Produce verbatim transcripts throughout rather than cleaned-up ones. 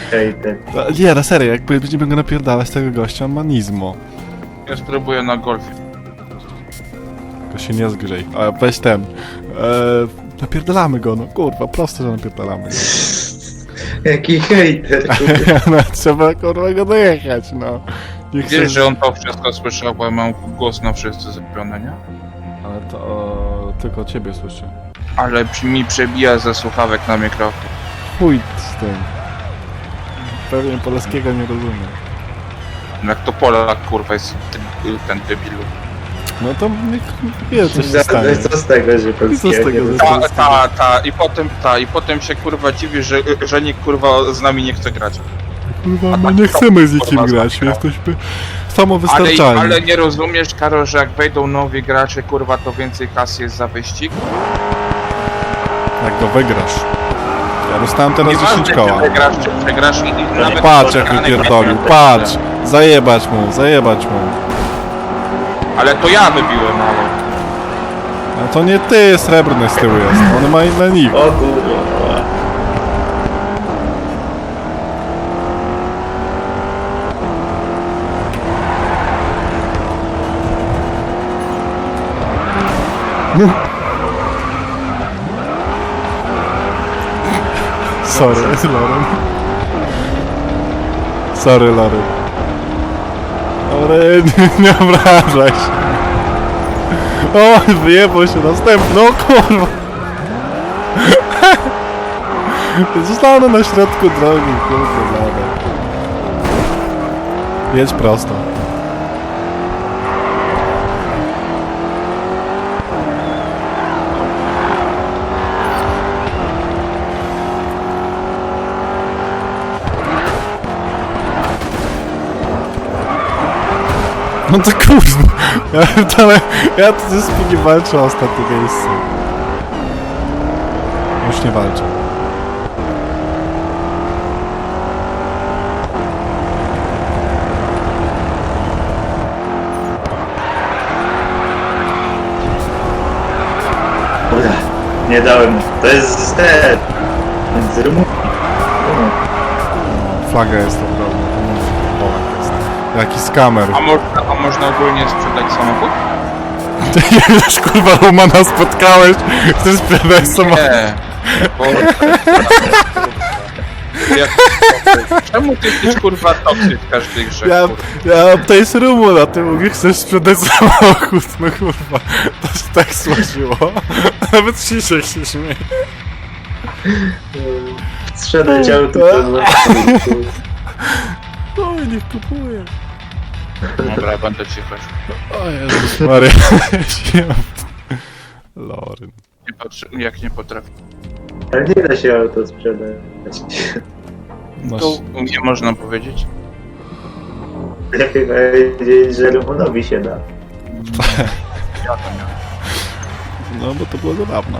hejter. Nie, na serio, jak będziemy go napierdalać tego gościa, on ma nizmo. Ja spróbuję na golfie. Tylko się nie zgrzej. A weź ten. Eee, napierdalamy go, no kurwa, prosto, że napierdalamy go. Jaki hejter, kurwa. No, trzeba kurwa go dojechać, no. Nie chcę... Wiesz, że on to wszystko słyszał, bo ja mam głos na wszyscy zrobiony, nie? Ale to o, tylko ciebie słyszę. Ale przy- mi przebija ze słuchawek na mikrofon. Chuj z tym. Pewnie polskiego nie rozumiem. Jak to Polak, kurwa, jest ten, ten debilu. No to niech wie, co się Za- stanie. Co z tego, że I co z tego, że Ta, ta, ta, i potem, ta, i potem się kurwa dziwi, że, że nikt kurwa z nami nie chce grać. Kurwa, my nie chcemy z nikim grać, my jesteśmy Ale, samowystarczalni. ale nie rozumiesz, Karol, że jak wejdą nowi gracze, kurwa, to więcej kasy jest za wyścig? Jak go wygrasz. Ja dostałem teraz Nieważne, dziesięć czy koła. wygrasz, czy przegrasz i, i nawet... Patrz jak spotkane wypierdolił, pieniądze. patrz! Zajebać mu, zajebać mu. Ale to ja wybiłem, ale... A to nie ty, srebrny z tyłu jest, on ma inne nick. O kurwa. Sorry, Loren. Sorry, Loren. Loren, nie, nie obrażaj się. O, wyjebał się następny, no kurwa. Zostanę na środku drogi, kurwa, nada. Jedź prosto. No to kurwa, ja dalej, ja tu ze Spigi walczę o ostatnie miejsce. Już nie walczę. Dobra, nie dałem. To jest z ten. Z Rumunii. Flaga jest ogromna, to nie Polak jest. Jaki skamer. A można, a można ogólnie sprzedać samochód? Ty już kurwa Romana spotkałeś, chcesz sprzedać samochód. Nie. Bo... Jak... Czemu ty jesteś kurwa toksy w każdej grze, Ja, kurwa? ja to jest Rumun, a ty mówisz, chcesz sprzedać samochód, no kurwa. To się tak słożyło. Nawet Krzysiek się śmieje. Sprzedać auto. Tak. to złe. Oj, niech kupuje. Dobra, będę cicho. O Jezus Maria. Loryn. Nie patrzy, jak nie potrafię. Ale nie da się auto sprzedać. Masz... To nie można powiedzieć. Lepiej powiedzieć, że Rumunowi się da. Ja to miałem. No bo to było zabawne.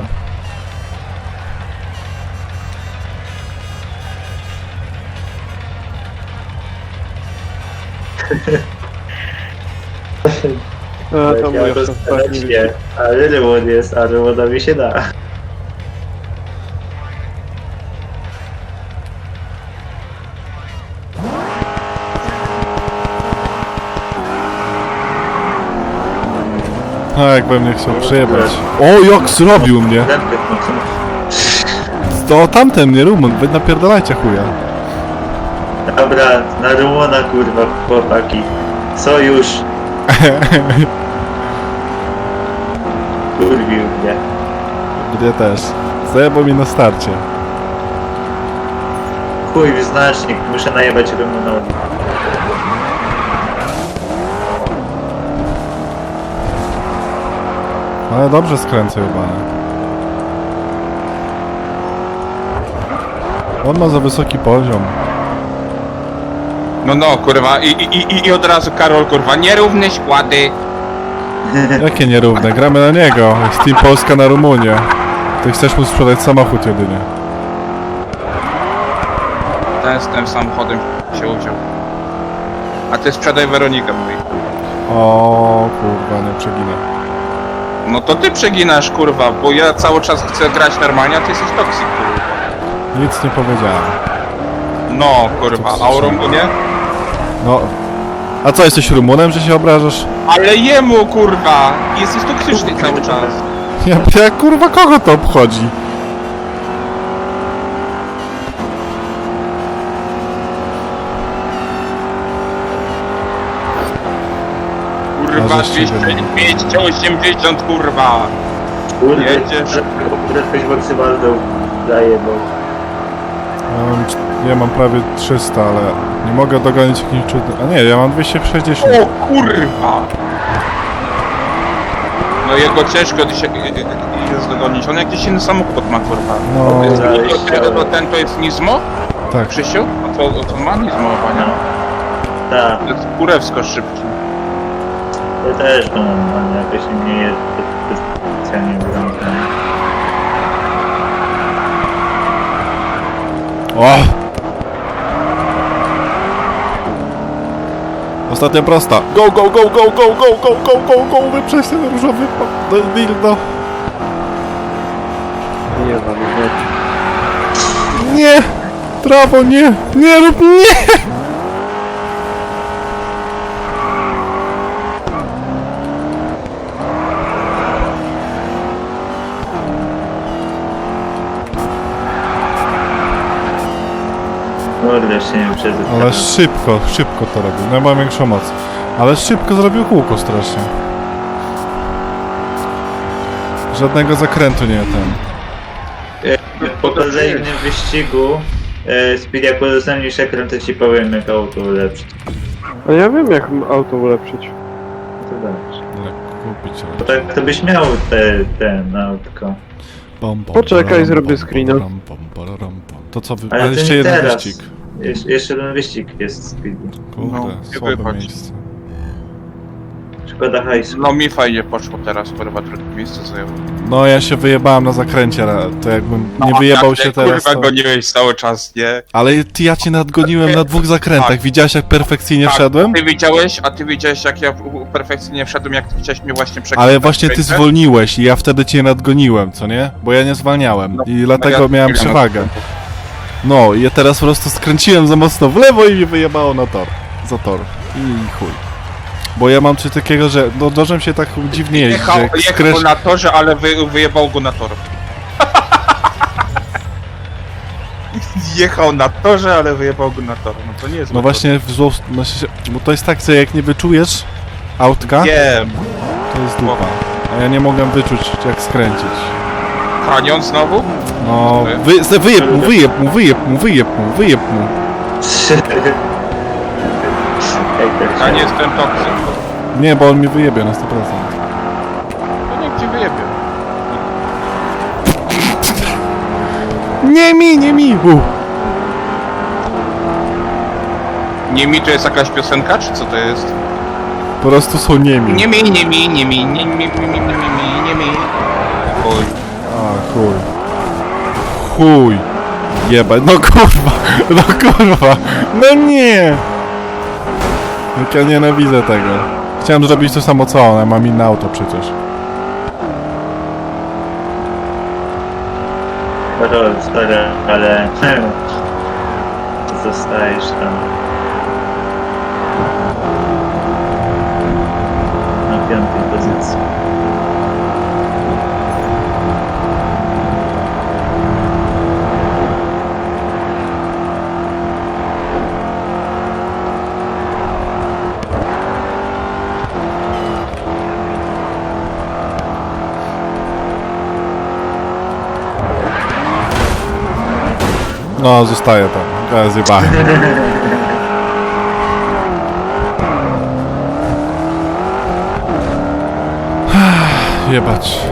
A, to Ja mój to jeszcze sprzedać ostatni nie. Ale Rumun jest, a Rumunowi się da. A jakbym nie chciał przejebać. O, jak zrobił mnie! Dęby, To tamten mnie Rumun, wy napierdalajcie chuja. Dobra, na Rumuna kurwa, chłopaki. Sojusz. Kurwił mnie. Mnie też. Zajebał mi na starcie. Chuj w znacznik, muszę najebać Rumunowi. Ale dobrze skręcę chyba. On ma za wysoki poziom. No no, kurwa, i, i, i, i od razu Karol, kurwa, nierówne składy. Jakie nierówne? Gramy na niego. Jest Team Polska na Rumunię. Ty chcesz mu sprzedać samochód jedynie. Ten z tym samochodem się udział. A ty sprzedaj Weronikę, mówi. O kurwa, nie przeginę. No to ty przeginasz, kurwa, bo ja cały czas chcę grać normalnie, a ty jesteś toksik, kurwa. Nic nie powiedziałem. No, kurwa, a o Rumunie? No. A co, jesteś Rumunem, że się obrażasz? Ale jemu, kurwa! Jesteś toksyczny cały czas. Ja, ja kurwa, kogo to obchodzi? Kurwa, A, żeście go nie- dwieście osiemdziesiąt, kurwa! Kurde, Jedziesz. prędkość maksymalną daje, bo... Ja mam, cz- ja mam prawie trzysta, ale nie mogę dogonić jakimś cudem. A nie, ja mam dwieście sześćdziesiąt. O kurwa! No jego ciężko dzisiaj jest dogonić. On jakiś inny samochód ma, kurwa. No, To, to, ten to jest Nizmo? tak. Krzysiu? A to, to ma Nizmo chyba, nie? Tak, To jest kurewsko szybki. to też to normalnie, jakoś nie jest specjalnie wyglądane. O! Ostatnia prosta. Go, go, go, go, go, go, go, go, go, go, wyprzeć ten różowy pa- do dildo. Nie znam, nie. Nie! Prawo, nie! Nie rób, nie! Kurde, się nie przez... Ale szybko, szybko to robił. No ja mam większą moc. Ale szybko zrobił kółko strasznie. Żadnego zakrętu nie ten. Po kolejnym wyścigu e, Speedy, jak udostępnisz ekran, to ci powiem, jak auto ulepszyć. A ja wiem jak auto ulepszyć. To dobrze. Ale kupić, Bo ale... tak to byś miał te, ten autko. Pom, pom, Poczekaj, pararam, zrobię pom, screena. pararam, pom, pararam, pom. To co wy... Ale Ale to jeszcze nie jeden teraz. wyścig. Jesz jeszcze jeden wyścig jest Speedy. Kurde, No, nie słabe wychodź. miejsce. Szkoda hajsu. No mi fajnie poszło teraz, kurwa, drugie miejsce zajął. No ja się wyjebałem na zakręcie, ale to jakbym nie No, wyjebał jak się ty, teraz, kurwa, to... goniłeś cały czas, nie? Ale ty, ja cię nadgoniłem na dwóch zakrętach. Tak. Widziałeś jak perfekcyjnie Tak, wszedłem? Ty widziałeś, a ty widziałeś jak ja perfekcyjnie wszedłem, jak ty chciałeś mnie właśnie przekonać. Ale właśnie ty zwolniłeś i ja wtedy cię nadgoniłem, co nie? Bo ja nie zwalniałem No, i dlatego ja- miałem ja- przewagę. No i ja teraz po prostu skręciłem za mocno w lewo i mnie wyjebało na tor. Za tor. I chuj. Bo ja mam coś takiego, że no dożem się tak dziwnie jeździ, Jechał, że jak jechał skręć... na torze, ale wy, wyjebał go na tor. Jechał na torze, ale wyjebał go na tor. No to nie jest No zły właśnie w zło... no się- bo to jest tak, że jak nie wyczujesz autka, tor. Wiem. to jest dupa. A ja nie mogłem wyczuć jak skręcić. Kanion znowu? No, wy, se- wyjeb mu, wyjeb mu, wyjeb mu, wyjeb mu, wyjeb mu. Ej, tak Ja się- nie jestem toksyk. Nie, bo on mi wyjebie na sto procent. To niech ci wyjebie. Nie mi, nie mi! U. Nie mi to jest jakaś piosenka, czy co to jest? Po prostu są niemi. Nie mi, nie mi, nie mi, nie mi, nie mi, nie mi, nie mi. Oj. A, chuj. Chuj. Jebać, no kurwa, no kurwa, no nie! Jak ja nienawidzę tego. Chciałem zrobić to samo co on, a mam inne auto przecież. Karol, stary, ale... Zostajesz tam. Na piątej pozycji. No, zostaję tam. Teraz zjebałem. Jebać.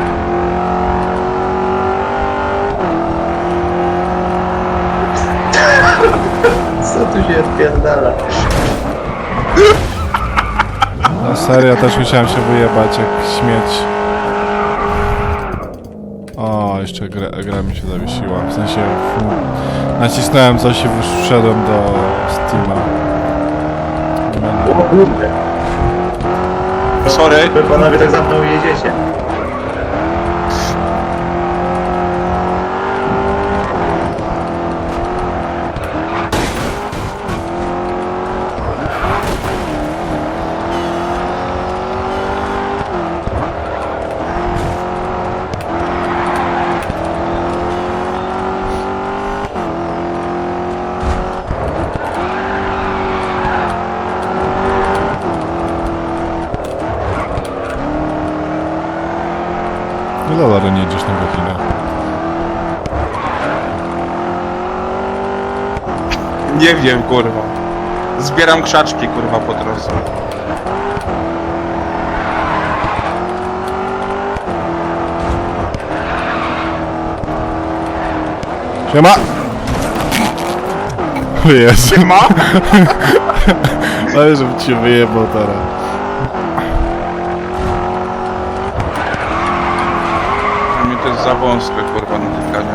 Co tu się odpierdala? Na serio, też musiałem się wyjebać jak śmieć. O, jeszcze gra, gra mi się zawiesiła. W sensie fu, nacisnąłem coś i wszedłem do Steama. O kurde. Sorry. Wy panowie tak za mną jedziecie. Ile Lary nie jedziesz na godzinę? Nie wiem, kurwa. Zbieram krzaczki, kurwa, po drodze. Siema! O Jezu. Ma? Ale żebym cię wyjebał teraz. Dla mnie to jest za wąskie, kurwa, na tykanie.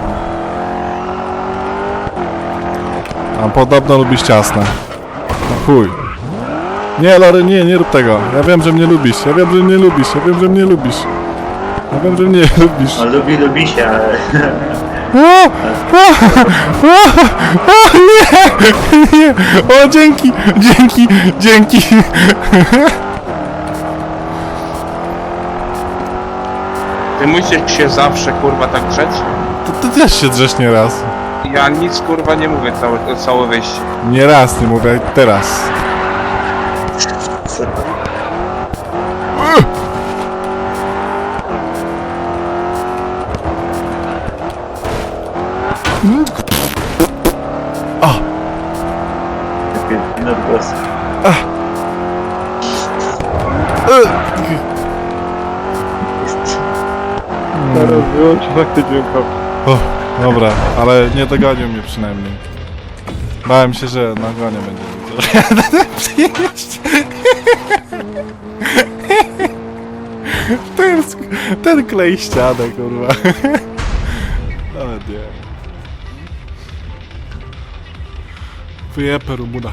A podobno lubisz ciasne. No chuj. Nie, Lary, nie, nie rób tego. Ja wiem, że mnie lubisz. Ja wiem, że mnie lubisz. Ja wiem, że mnie lubisz. Ja wiem, że mnie lubisz. On lubi, lubi się, ale... O! O! O! O! Nie! Nie! O, dzięki! Dzięki! Dzięki! Ty musisz się zawsze, kurwa, tak drzeć? To ty też się drzesz nie raz. Ja nic, kurwa, nie mówię całe, całe wyjście. Nie raz, nie mówię teraz. Co? O! Taki minut głos. Teraz wyłączę fakty dźwiękowe. O, dobra, ale nie dogonił mnie przynajmniej. Bałem się, że nagonię będzie. Przyjeść. Ten, sk- ten klej ścianę, kurwa. Nawet nie. Wyjepę Rumuna.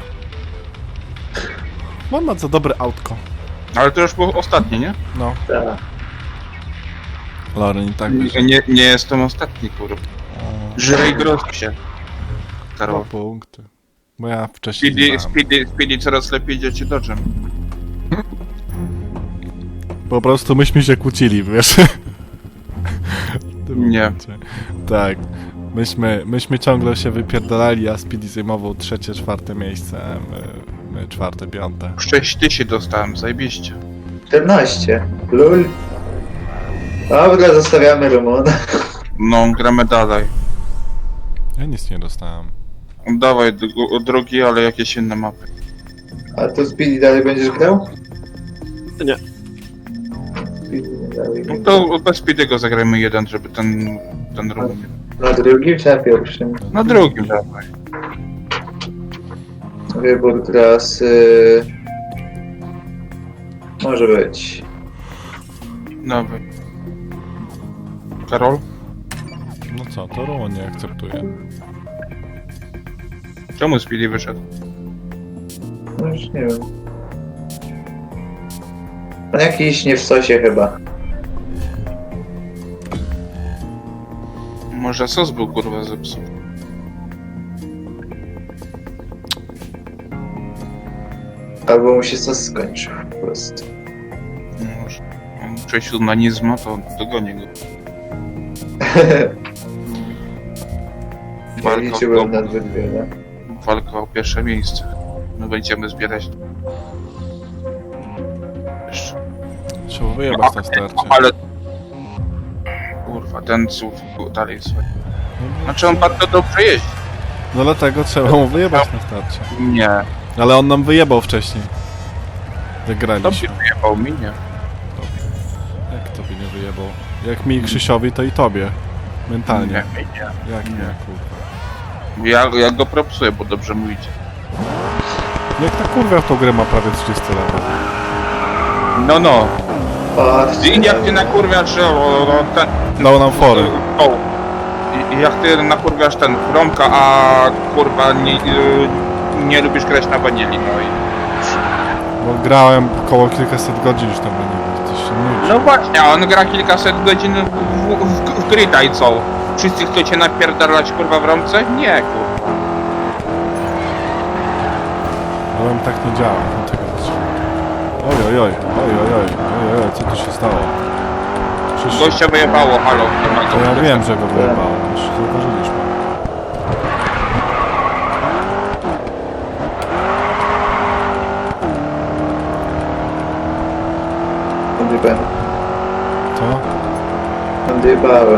Mam na co dobre autko. Ale to już było ostatnie, nie? No, Tak. Loren i tak Nie, nie, nie jestem ostatni, kurwa. Żyrej groźb się. Dwa Karol. punkty. Bo ja wcześniej Speedy, nie znałem. speedy, speedy coraz lepiej idzie ci dodżem. Po prostu myśmy się kłócili, wiesz? W tym Nie. momencie. Tak. Myśmy, myśmy ciągle się wypierdalali, a Speedy zajmował trzecie, czwarte miejsce, a my, my czwarte, piąte. sześć tysięcy dostałem, zajebiście. czternaście. Lul. Dobra, zostawiamy Rumuna. No, gramy dalej. Ja nic nie dostałem. Dawaj dru- drugi, ale jakieś inne mapy. A to Speedy dalej będziesz grał? Nie. Speedy nie dalej No będzie. to bez Speedy'ego zagrajmy jeden, żeby ten, ten ruch. Na drugim czy na pierwszym? Na drugim dawaj. Wybór trasy... Może być. Dawaj. Karol? No co, to Roman nie akceptuje. Czemu Speedy wyszedł? No już nie wiem. On jakiś nie w sosie chyba. Może sos był, kurwa, zepsuty. Albo mu się sos skończył po prostu. Może. On przejścił na Nizma, to dogonię go. Ja Walka liczyłem o, na dwie, no. walka o pierwsze miejsce. My będziemy zbierać. Jeszcze. Trzeba wyjebać na starcie. Ale... Kurwa, ten ców dalej swoje. Znaczy on bardzo dobrze jeździ. No dlatego trzeba mu wyjebać na starcie. Nie. Ale on nam wyjebał wcześniej. Wygraliśmy. Tobie wyjebał mi, nie. Jak tobie nie wyjebał? Jak mi Krzysiowi, to i tobie. Mentalnie. Nie, nie. Jak nie, Nie. kurwa. Ja, ja go propsuję, bo dobrze mu idzie. Jak ta kurwa w tą grę ma prawie trzydzieści lat. No, no. Patrzcie. I jak ty nakurwiasz, że o, o, ten... Dał nam fory. O. I, i jak ty nakurwiasz ten Romka, a kurwa nie, y, nie lubisz grać na wanili, no i... Bo grałem około kilkaset godzin już tam nie coś się nudzi. No właśnie, a on gra kilkaset godzin w, w, w, w Grita i co? Wszyscy chcą cię napierdalać kurwa w Romce? Nie, kurwa. Ale on tak nie działa. No tego zaczynam. Oj, oj, oj, oj, oj, oj, oj, oj, co tu się stało? Przecież... Gościa wyjebało, halo, nie ma To go. ja wiem, że go wyjebało, już zauważyliśmy. Będzie ben. Co? Odjebałem.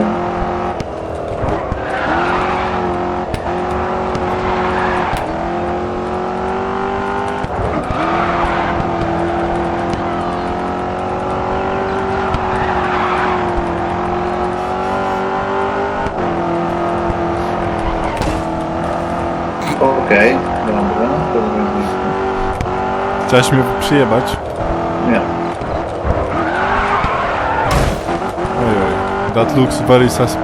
Okej, dobra, to będzie. Chciałeś mnie przyjebać? Nie. Ojej. That looks very sus...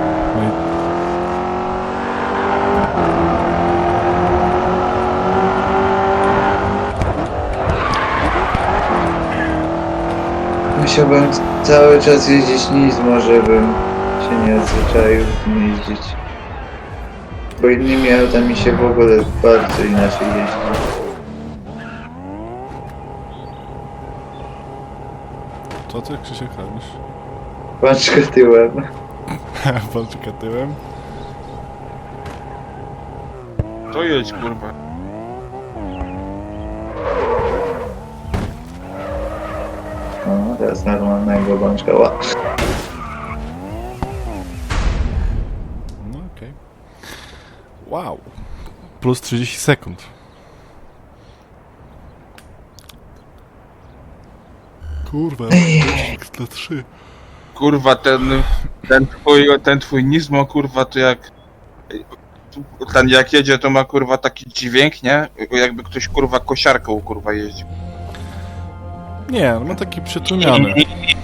Musiałbym cały czas jeździć Nizmo, żebym się nie odzwyczaił tym jeździć. Bo innymi autami się w ogóle bardzo inaczej jeździ. Co ty, Krzysiek, robisz? Paczkę tyłem. Walczyka tyłem. To jedź, kurwa. No, teraz normalnego bączka. Ła. No okej. Wow. Plus trzydzieści sekund. Kurwa, dla trzy. Kurwa, ten, ten twój, ten twój Nizmo, kurwa, to jak... Ten jak jedzie, to ma, kurwa, taki dźwięk, nie? Jakby ktoś, kurwa, kosiarką, kurwa, jeździł. Nie, on ma taki przytłumiony.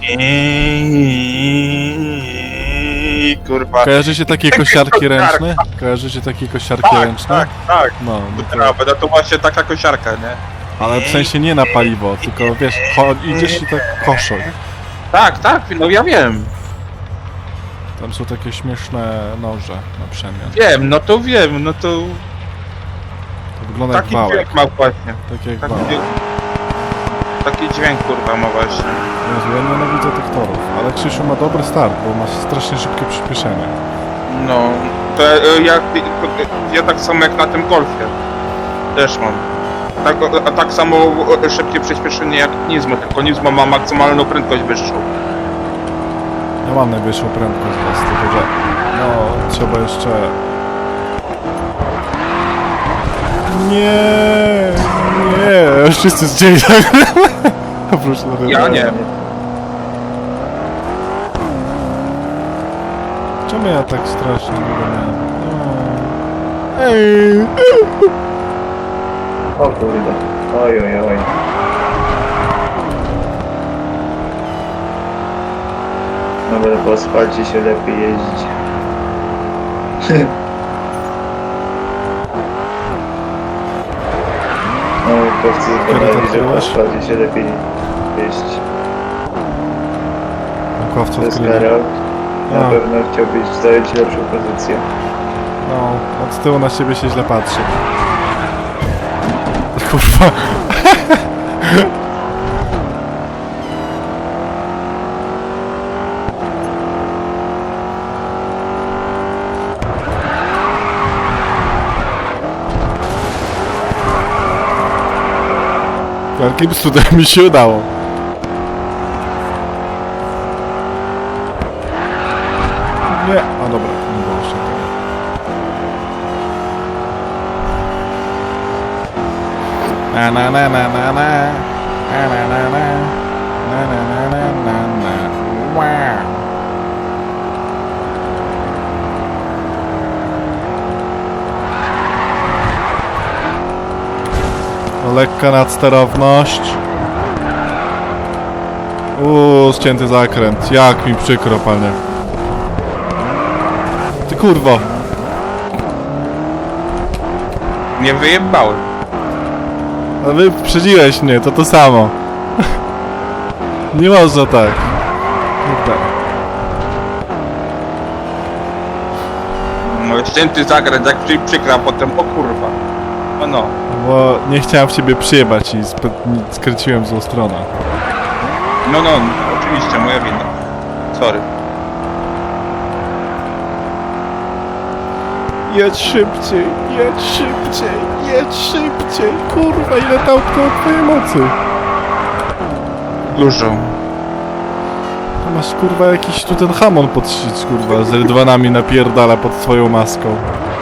Kurwa. Kojarzycie takie kosiarki ręczne? Kojarzycie takie kosiarki Tak, ręczne? tak, tak. No, no to, Prawda, no to właśnie taka kosiarka, nie? ale w sensie nie na paliwo, tylko wiesz, cho- idziesz i tak koszą. Tak, tak, no ja wiem. Tam są takie śmieszne noże na przemian. Wiem, no to wiem, no to To wygląda jak taki wałek. dźwięk ma właśnie. Tak jak Taki, wałek. dźwięk- taki dźwięk, kurwa, ma właśnie. Jezu, ja nienawidzę tych torów, ale Krzysiu ma dobry start, bo ma strasznie szybkie przyspieszenie. No, to e, jak, to, ja tak samo jak na tym Golfie. Też mam. Tak, a tak samo e, szybkie przyspieszenie jak Nizmo, tylko Nizmo ma maksymalną prędkość wyższą. Ja mam najwyższą prędkość z was, tylko że... No, trzeba jeszcze... Nie, nie, wszyscy zdzieli tak. Oprócz na Ja nie. Czemu ja tak strasznie długo miałem? No. Ej. O kurde. Oj, oj, oj. Dobra, po asfalcie się lepiej jeździć. Naukowcy zbadali, że po asfalcie się lepiej jeździć. Naukowcy To jest odkryli. Karol. Na A. pewno chciałbyś zająć lepszą pozycję. No, od tyłu na siebie się źle patrzy. Kurwa. Jakim cudem mi się udało. Nie, a dobra, nie było jeszcze tego. Na na na na na na na na na na na na na na na wow. No, lekka nadsterowność. Uuu, ścięty zakręt. Jak mi przykro, panie. Ty kurwo. Nie wyjebałem. A wy wyprzedziłeś mnie, to to samo. Nie można tak. Kurde. No ścięty zakręt, jak przy- przykra, a potem o kurwa. No no. Bo nie chciałem w ciebie przyjebać i sp- skręciłem w złą stronę. No no, oczywiście, moja wina. Sorry. Jedź szybciej, jedź szybciej, jedź szybciej. Kurwa, ile tam kto twojej mocy. Dużo. Masz kurwa jakiś tu ten hamon podszyć, kurwa, z rydwanami napierdala pod swoją maską.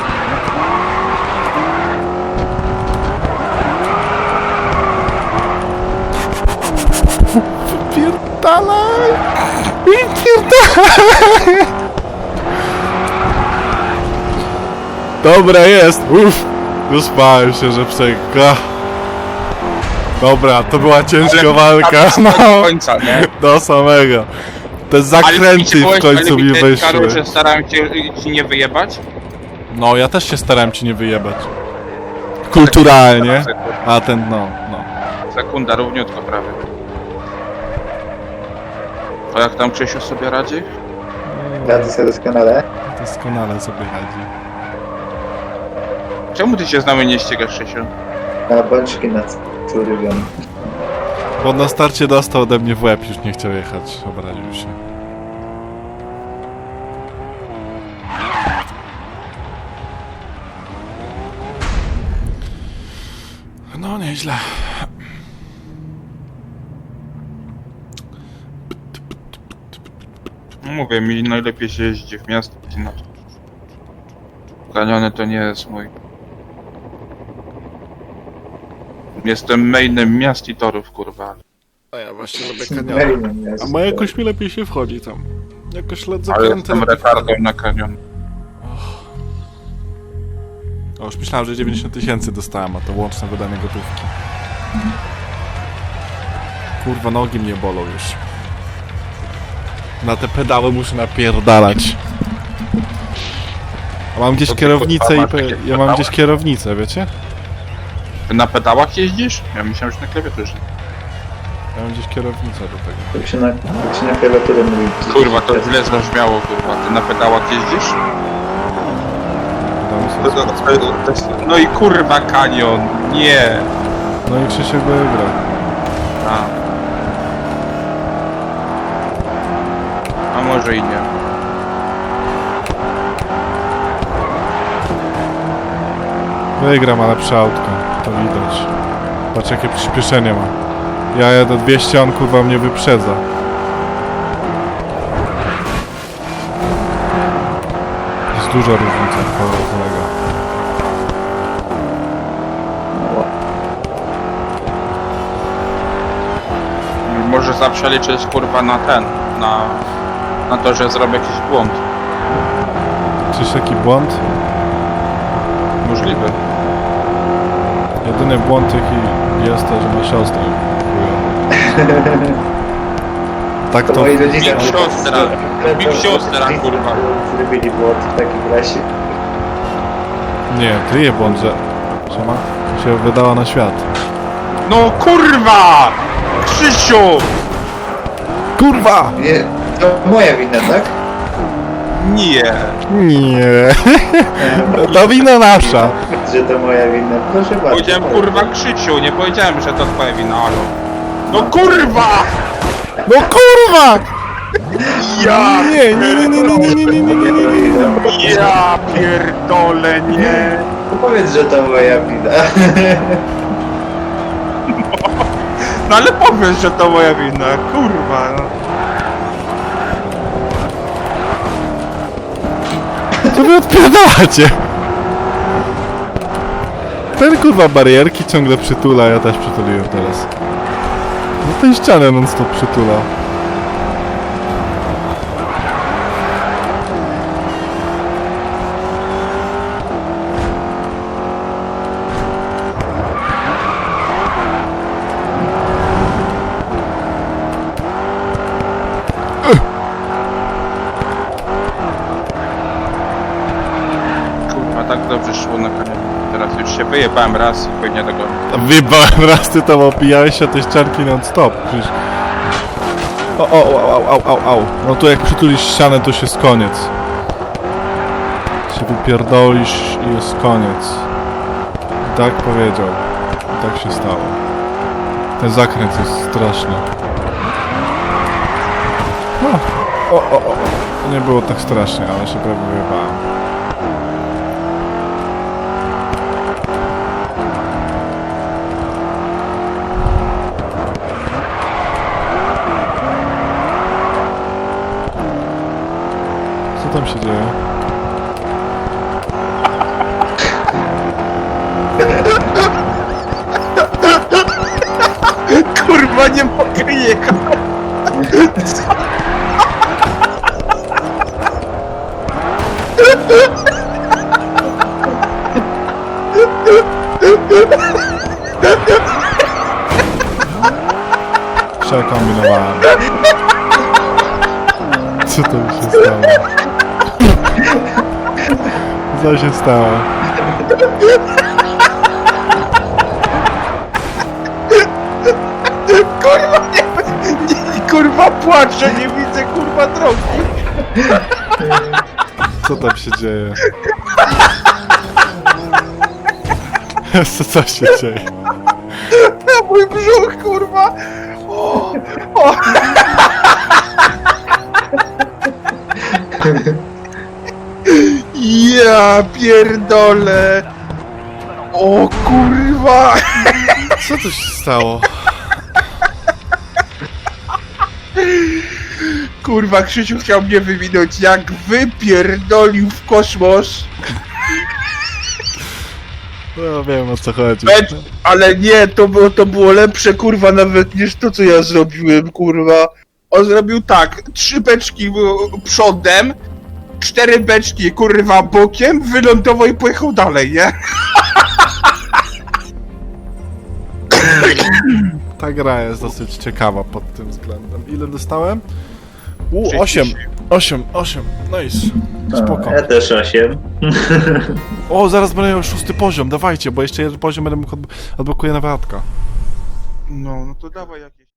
Wypierdalaj! Wypierdalaj! Dobra, jest! Uff! Wyspałem się, że przeka. Dobra, to była ciężka walka, no. Do końca, nie? Do samego. Te zakręty w końcu mi wyszły. Karol, że starałem się ci nie wyjebać? No, ja też się starałem ci nie wyjebać. Kulturalnie. A ten, no, no. Sekunda, równiutko prawie. A jak tam Krzysiu sobie radzi? Radzę sobie doskonale. Doskonale sobie radzi. Czemu ty się z nami nie ścigasz, Krzysiu? Na bączki na ulubiony. Bo na starcie dostał ode mnie w łeb, już nie chciał jechać. Obraził się. No, nieźle. No mówię, mi najlepiej się jeździ w miasto. No. Kaniony to nie jest mój. Jestem mainem miast i torów, kurwa. A ja właśnie lubię Mailem jest. A ma jakoś mi lepiej się wchodzi tam. Jakoś lecę Ale zakręty. jestem retardą na kanion. O, już myślałem, że dziewięćdziesiąt tysięcy dostałem, a to łączne wydanie gotówki. Kurwa, nogi mnie bolą już. Na te pedały muszę napierdalać. A mam gdzieś To ty, kierownicę kurwa, i... masz Pe... takie Ja mam pedały? gdzieś kierownicę, wiecie? Ty na pedałach jeździsz? Ja myślałem, że na klawiaturze. Ja mam gdzieś kierownicę do tego. Jak się na, jak się na klawiaturę mówi. Kurwa, to źle zabrzmiało, kurwa. Ty na pedałach jeździsz? Pedały są spoko. No i kurwa kanion, nie. No i Krzysiek wygra. A. A może i nie. Wygram, ale lepsze autko. To widać. Patrz jakie przyspieszenie ma. Ja jadę dwieście, on kurwa mnie wyprzedza. Jest duża różnica, kolega. Może zawsze liczyć kurwa na ten, na, na to, że zrobię jakiś błąd. Czyż jaki błąd? Możliwy. Jedyny błąd jaki jest to, że ma siostrę. Chujowo. Tak To to... moi rodzice... Big siostra. Big siostra, kurwa. Zrobili błąd w takim razie. Nie, kryje błąd, że... Że ma... się wydała na świat. No kurwa! Krzysiu! Kurwa! Nie, to moja wina, tak? Nie. Nie. To wina nasza. Że to moja wina. Proszę bardzo. Powiedziałem kurwa Krzysiu, nie powiedziałem, że to twoja wina, alo. No kurwa! No kurwa! Ja Nie, nie, nie, nie, nie, nie, nie, nie, nie, nie, nie. Ja pierdolę, nie! No powiedz, że to moja wina. No ale powiedz, że to moja wina, kurwa, no. To wy odpierdalacie! Ten kurwa barierki ciągle przytula, ja też przytuliłem teraz. No ten ścianę non stop przytula. Kurwa, tak dobrze szło na koniec. Teraz już się wyjebałem raz i pewnie tego... Wyjebałem raz, ty tam opijałeś się tej ścianki non stop. Przecież... O, o, o, au, au, au, au. No tu jak przytulisz ścianę, to się jest koniec. Się wypierdolisz i jest koniec. I tak powiedział. I tak się stało. Ten zakręt jest straszny. No. O, o, o. Nie było tak strasznie, ale się prawie wyjebałem. się dzieje? Kurwa, nie mogę jechać. Przekombinowałem. Co to mi się stało? Co się stało? Kurwa, nie, nie, kurwa płaczę, nie widzę kurwa drogi. Co tam się dzieje? Co, co się dzieje? Na mój brzuch, kurwa. O, o. Ja pierdolę. O kurwa. Co tu się stało? Kurwa, Krzysiu chciał mnie wywinąć, jak wypierdolił w kosmos. No wiem, o co chodzi. Becz, ale nie, to było, to było lepsze, kurwa, nawet niż to, co ja zrobiłem, kurwa. On zrobił tak, trzy beczki w- przodem, cztery beczki, kurwa, bokiem, wylądował i pojechał dalej, nie? Ta gra jest dosyć ciekawa pod tym względem. Ile dostałem? U, trzydzieści. osiem. osiem, osiem. Nice. Spoko. A, ja też osiem. O, zaraz będę miał szósty poziom, dawajcie, bo jeszcze jeden poziom będę mógł odb- odblokuję nawatka. No, no to dawaj jakieś.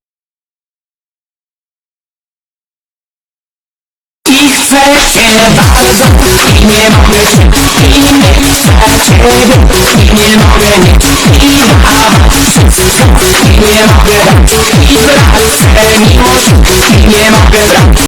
I chcę cię bardzo i nie mogę się i nie chcę ciebie i nie mogę mieć i dawać wszystko i nie mogę dać i wracę miłość i nie mogę dać